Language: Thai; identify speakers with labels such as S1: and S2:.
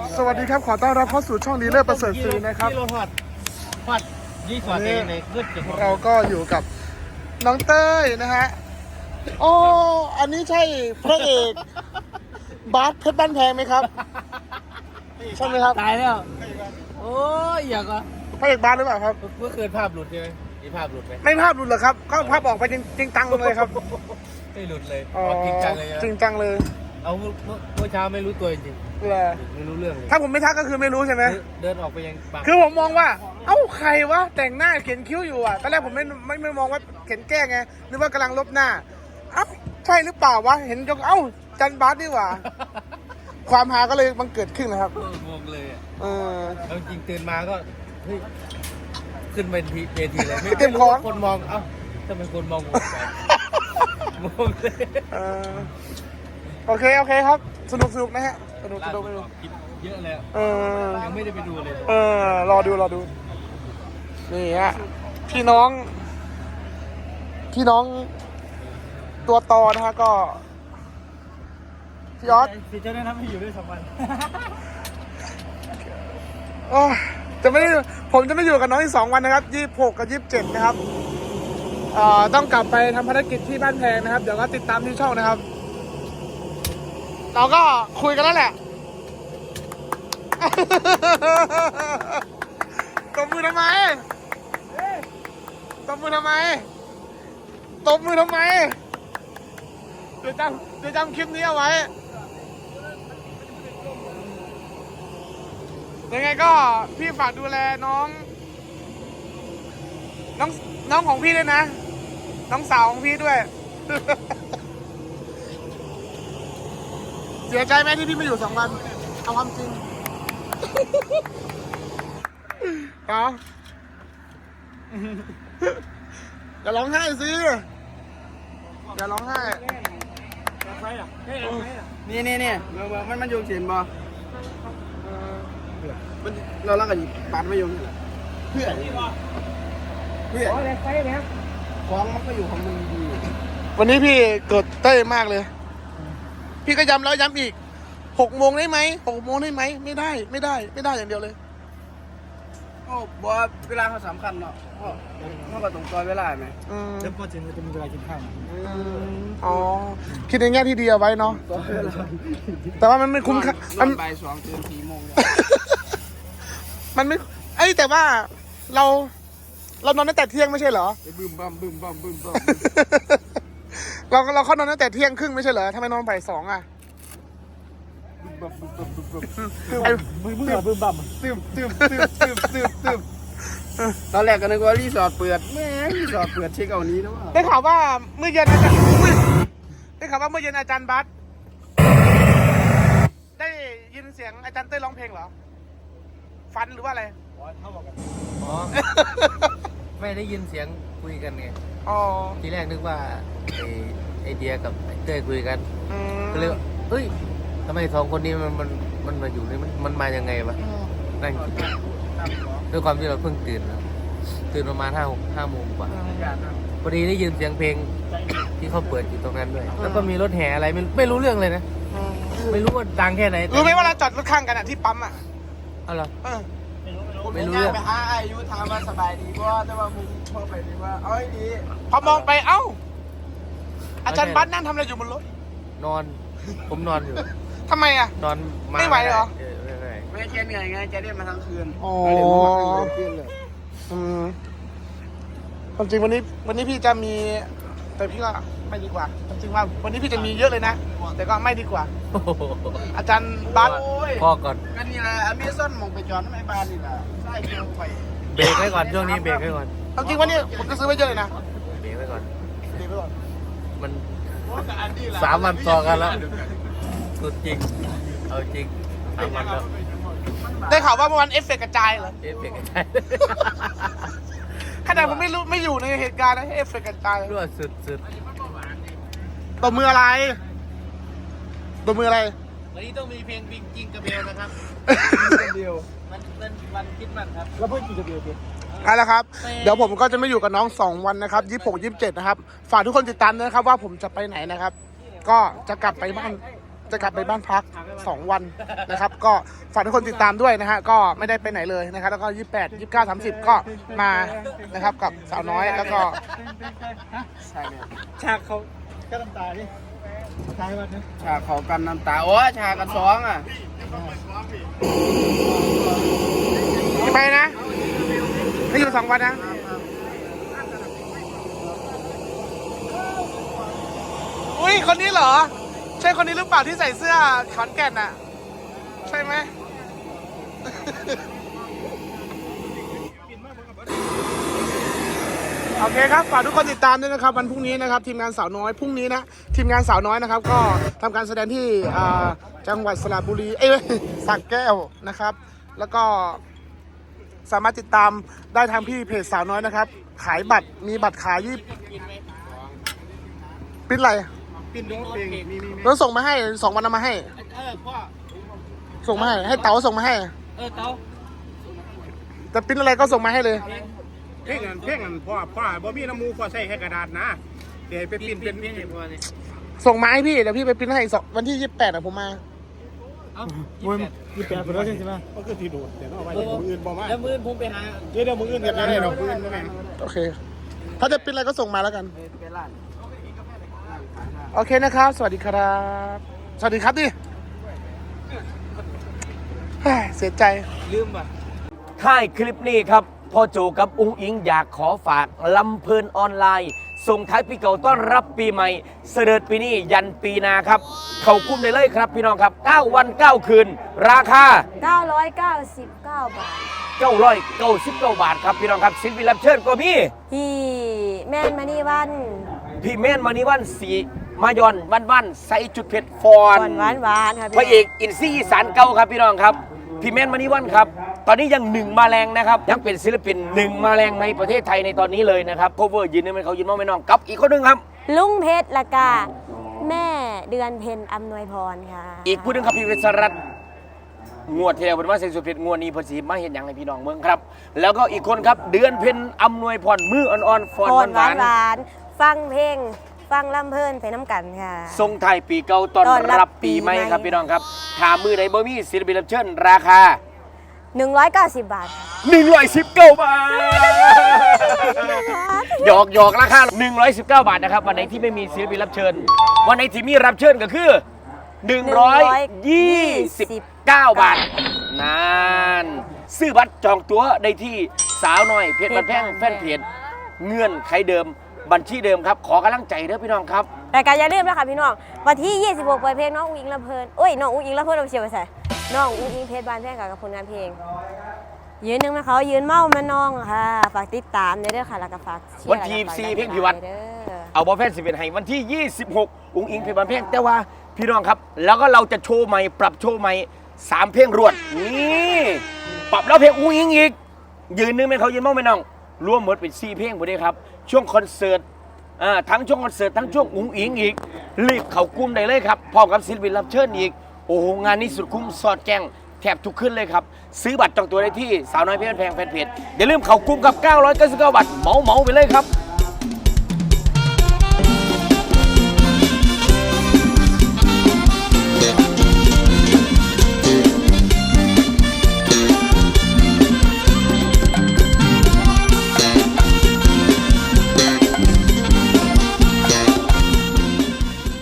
S1: สวัสดีครับขอต้อนรับเข้าสู่ช่องดีเลิศประเสริฐศรีนะครับ
S2: ฮอดยี่สอดในขึ้นจุด
S1: เราก็อยู่กับน้องเต้ยนะฮะอ๋ออันนี้ใช่พระเอกบาสเพชรบ้านแพงไหมครับใช่ไหมครับ
S2: ตายแล้วโอ้ยอยากอ่ะ
S1: พระเอกบาสหรือเปล่าครับ
S2: เมื่อคืนภาพหลุดใช่ไหมมีภาพหลุดไหม
S1: ไม่ภาพหลุดเหรอครับก็ภาพออกไปจริงจังเลยครับ
S2: ไม่หลุดเลย
S1: อ๋อ
S2: จริงจังเลยนะ
S1: จริงจังเลย
S2: เอาเมื่อเช้าไม่รู้ตัวจริง
S1: เหรอ
S2: ๆไม่รู้เรื่องเลย
S1: ถ้าผมไม่ทักก็คือไม่รู้ใช่ไหม
S2: เดินออกไปยังปาก
S1: คือผมมองว่าเอ้าใครวะแต่งหน้าเขียนคิ้วอยู่อ่ะตอนแรกผมไม่มองว่าเขียนแก้ไงนึกว่ากำลังลบหน้าเอ้าใช่หรือเปล่าวะเห็นก็เอ้าจันบาสดีกว่า ความฮาก็เลยบังเกิดขึ้นนะครับ
S2: งงเลยอ่ะ
S1: เออ
S2: แล้วจริงตื่นมาก็เฮ้ยขึ้นเวทีเลย
S1: เต็มของ
S2: คนมองเอ้าทำไมคนมองงงจังงงเลย
S1: เออโอเคครับสนุกนะฮะสนุก
S2: คิดเยอะแล้ว
S1: เออ
S2: ยังไม่ได้ไปดูเลย
S1: รอดูนี่ฮะพี่น้องตัวตอนะฮะก็พี่ออส
S2: พี่จะแนะนำให้อยู่ด้วย2 วัน
S1: โอ้ยผมจะไม่อยู่กับน้องอีก2 วันนะครับ26 กับ 27นะครับต้องกลับไปทำภารกิจที่บ้านแพงนะครับเดี๋ยวก็ติดตามที่ช่องนะครับเราก็คุยกันแล้วแหละตบมือทำไมเดี๋ยวจำคลิปนี้เอาไว้ยังไงก็พี่ฝากดูแลน้องของพี่ด้วยนะน้องสาวของพี่ด้วย เสียใจไหมที่พี่ไม่อยู่2 วันเอาความจริง เอาอย่าร้องไห้สิอย่าร้องไห้
S3: นี่มันโยงเสียนบ่มันเราลักกันปัดไม่โยงเพื่อของมันก็อยู่ของมึงดี
S1: วันนี้พี่เกิดเต้ยมากเลย พี่ก็ย้ำแล้วย้ำอีก6 โมงได้ไหม6 โมงได้ไหมไม่ได้อย่างเดียวเลย
S3: โอ้บอกว่าเวลาเขาสำคัญเนาะเขาก็ต้องต่อเวลาไหม
S2: แล้วพอถึงจะมีเวลากินข้าว
S1: อ๋อคิดในแง่ที่ดีเอาไว้เนาะ
S3: ต่อเวลา
S1: แต่ว่ามันไม่คุ้มค่า
S3: นอนบ่าย 2 ตื่น 4 โมง
S1: มันไม่แต่ว่าเรานอนตั้งแต่เที่ยงไม่ใช่เหรอ
S3: ไปบึ้มบัม
S1: เราเข้านอนตั้งแต่เที่ยงครึ่งไม่ใช่เหรอทำไมนอนบ่าย 2อ่ะ
S2: มึงเหรอบึ้มบั่ม
S3: ตึมตอนแรกก็นึกว่ารีสอร์ทเปิดแม่รีสอร์ทเปิดเช็คเอานี้นะว่า
S1: ได้ข่าวว่าเมื่อเย็นอาจารย์ได้ข่าวว่าเมื่อเย็นอาจารย์บัสได้ยินเสียงอาจารย์เต้ยร้องเพลงเหรอฟันหรือว่าอะไร
S2: อ๋อไม่ได้ยินเสียงคุยกันไง
S1: อ๋อ
S2: ทีแรกนึกว่าไอเดียกับไอเต้ยคุยกัน
S1: อืม
S2: ก็เลยว่าเฮ้ยทำไม2 คนนี้มันมาอยู่นี่มันมายังไงวะนั่งคิดด้วยความที่เราเพิ่งตื่นประมาณ5 โมงกว่าพอดีได้ยินเสียงเพลงที่เขาเปิดอยู่ตรงนั้นด้วยแล้วก็มีรถแห่อะไรไม่รู้เรื่องเลยนะไม่รู้ว่าดังแค่ไหน
S1: รู้ไหมว่าเราจอดรถข้างกันอ่ะที่ปั๊มอ่ะ
S2: เอาเหรอ
S3: ผม
S2: ไม่รู้
S3: ย่า
S2: เรื่อง
S3: ไปหาอายุถามว่าสบายดีบ่แต่ว่ามึงพอไปดีว่าเอาให้ดี
S1: พอมองไปเอ้าอาจารย์บัสนั่งทำอะไรอยู่บนรถ
S2: นอนผมนอนอยู่
S1: ทำไมอ่ะ
S2: นอนมา
S1: ไม่ไหวเหรอ
S2: ไม่ไหว
S3: ไม่แค่เหนื่อยไงแกเล่นมาทั้งคืน
S1: อ๋อ
S3: เล่นมาทั้งคืนเลย
S1: ความจริงวันนี้พี่จะมีแต่พี่ก็ไม่ดีกว่าความจริงว่าวันนี้พี่จะมีเยอะเลยนะแต่ก็ไม่ดีกว่า
S2: โอ้โห
S1: อาจารย์บัส
S3: โอ้ย
S2: พ่อก่อน
S3: ก็นี่แหละอเมซอนมองไปจอดไม่บานนี่แหละใช่เกี่ยวไป
S2: เบรกไว้ก่อนช่วงนี้เบรกไว้ก่อน
S1: ความจริงวันนี้ผมจะซื้อไว้เยอะเลยนะ
S2: เบรกไว้ก่อน
S1: ดีไปก่อน
S2: มัน3 วันต่อกันแล้วสุดจริงเอาจริง3 วันแล้ว
S1: ได้ข่าวว่าเมื่อวานเอฟเฟกต์กระจายเหรอ
S2: เบรกใช่
S1: ขนาดผมไม่อยู่ในเหตุการณ์นะเอฟเฟกต์กระจาย
S2: รั่วสุด
S1: ตบมืออะไรตบมืออะไร
S2: วันนี้ต้องมีเพลงบิงจิงกระเบลนะครับ
S3: เดียว
S2: มันเป็นวันคิดมันครับ
S3: แล้วเพื่อนกินกระเบียร์ดิ
S1: เอาละครับเดี๋ยวผมก็จะไม่อยู่กับน้อง2 วันนะครับ26 27นะครับฝากทุกคนติดตามด้วยนะครับว่าผมจะไปไหนนะครับ ก็จะกลับไปบ้านจะกลับไปบ้านพัก 2 วันนะครับ ก็ฝากทุกคนติดตามด้วยนะฮะก็ไม่ได้ไปไหนเลยนะครับแล้วก็28 29 30ก็มานะครับกับสาวน้อยแล้วก็
S3: ใช่เนี่ย
S4: ฉากเขาก็น้ำตาดิตายวันนึง
S3: ฉากเขากันน้ำตาโอ้ฉากกันสองอ่ะ
S1: ไปนะไม่อยู่2 วันนะอุ้ยคนนี้เหรอใช่คนนี้หรือเปล่าที่ใส่เสื้อขอนแก่นอ่ะใช่ไหม โอเคครับฝากทุกคนติดตามด้วยนะครับวันพรุ่งนี้นะครับทีมงานสาวน้อยพรุ่งนี้นะทีมงานสาวน้อยนะครับก็ทำการแสดงที่จังหวัดสระบุรีสระแก้วนะครับแล้วก็สามารถติดตามได้ทางพี่เพจสาวน้อยนะครับขายบัตรมีบัตรขายปิ้นอะไร
S4: ปินโดนเพลงมี
S1: แล้วส่งมาให้2 วันเอามาให้
S4: พ่อ
S1: ส่งมาให้เต๋าส่งมาให้
S4: เต้า
S1: แต่ปิ้นอะไรก็ส่งมาให้เลย
S4: เพลงพ่อบ่มีน้ำมูกพ่อใส่แค่กระดาษนะเดี๋ยวไปปินเป็นพ่อเนี่ย
S1: ส่งมาให้พี่เดี๋ยวพี่ไปปิ้นให้วันที่28อะผมมา
S4: มึงยี่แปดคนแล้วใช่ไหมก็คือที่โดดเดี๋ยวเอาไว้มืออื่นบ่มา
S2: แล้วมือผมไปหา
S4: เดี๋ยวมืออื่นกันได้เรามืออื่นก็แม่ง
S1: โอเค ถ้าจะปิ้นอะไรก็ส่งมาแล้วกัน
S3: ไปร้าน
S1: โอเคนะครับ สวัสดีครับ สวัสดีครับดิเฮ้ยเสียใจ
S2: ลืมป่ะ
S5: ท้ายคลิปนี้ครับพ่อโจกับอุ้งอิงอยากขอฝากลำเพลินออนไลน์ส่งท้ายปีเก่าต้อนรับปีใหม่เสด็จปีนี้ยันปีหนาครับ เข้าคุ้มได้เลยครับพี่น้องครับ 9 วัน 9 คืน ราคา
S6: 999 บาท
S5: 999 บาทครับพี่น้องครับศิลปินรับเชิญก็มี
S6: พี่แม่นมานี่วัน
S5: พี่เมนมานิวันสีมายอนวันใส่จุดเผ็ดฟอ
S6: ก่อน นหวานค่ะ
S5: พระเอกอินซี่อีสานเก่าครับพี่น้องครับพี่แมนมานิวันครับตอนนี้ยัง1มาแรงนะครับยังเป็นศิลปิน1มาแรงในประเทศไทยในตอนนี้เลยนะครับโคเวอร์ยืนนี่มันเขายืนมองไม่น้องกับอีกคนหนึงครับ
S6: ลุงเพชรละกาแม่เดือนเพ็ญอำนวยพรค่ะ
S5: อีกผู้หนึงครับพี่เวสรัตน์งวดที่แล้วเป็นว่าใส่สุดเผ็ดงวดนี้เพอสีมาเห็นอย่างให้พี่น้องเมืองครับ แล้วก็อีกคนครับเดือนเพ็ญอำนวยพรมืออ่อนๆฟอน
S6: พร
S5: หวาน
S6: หวานๆฟังเพลงฟังลำเพลินไปน้ำกันค่ะ
S5: ๆทรงไทายปีเก่าตอน
S6: ต้อนรับ
S5: รับปีใหม่
S6: ปีใหม่
S5: ครับพี่น้องครับถามมือไหนบ่มีศิลปินรับเชิญราคา
S6: 190 บาทค่ะ
S5: 119 บาท หยอกราคา 119 บาทนะครับ วันไหนที่ไม่มีศิลปินรับเชิญ วันไหนที่มีรับเชิญก็คือ 129 บาทนานซื้อบัตรจองตั๋วได้ที่สาวน้อยเพจบันแพงแฟนเพจเงื่อนไขเดิมบัญชีเดิมครับ ขอกำลังใจเด้อพี่น้องครับ
S6: รายการอย่าลืมนะคะพี่น้องวันที่ 26 เปิดเพลงน้องอุ้งอิงลำเพลินโอ้ยน้องอุ้งอิงลำเพลินเอาเชียวไปใส่น้องอุ้งอิงเพชรบานแพงกับผลงานเพลง ยืนหนึ่งนะเขายืนเมามาน้องค่ะ ฝากติดตามเด้อค่ะแล้วก็ฝากเชียร์
S5: วันที่
S6: แล้วก็ฝาก
S5: 4
S6: ดัน
S5: เพลงพิวัตร
S6: เด้อ
S5: เอาบอลแฟนสิบเอ็ดให้วันที่ 26 อุ้งอิงเพลงบันเพลงแต่ว่าพี่น้องครับ แล้วก็เราจะโชว์ใหม่ปรับโชว์ใหม่3 เพลงรวดนี่ปรับแล้วเพลงอุ้งอิงอีกยืนนึงไหมเขายืนมั่งไหมน้องรวมหมดเป็น4 เพลงหมดเลยครับช่วงคอนเสิร์ตทั้งช่วงคอนเสิร์ตทั้งช่วงอุ้งอิงอีกรีบเข้ากลุ่มได้เลยครับพร้อมกับศิลปินรับเชิญอีกโอ้โหงานนี้สุดคุ้มสอดแจ้งแทบทุกขึ้นเลยครับซื้อบัตรจองตัวได้ที่สาวน้อยเพชรแพงแฟนเพจอย่าลืมเข้ากลุ่มกับ999 บาทเหมาไปเลยครับ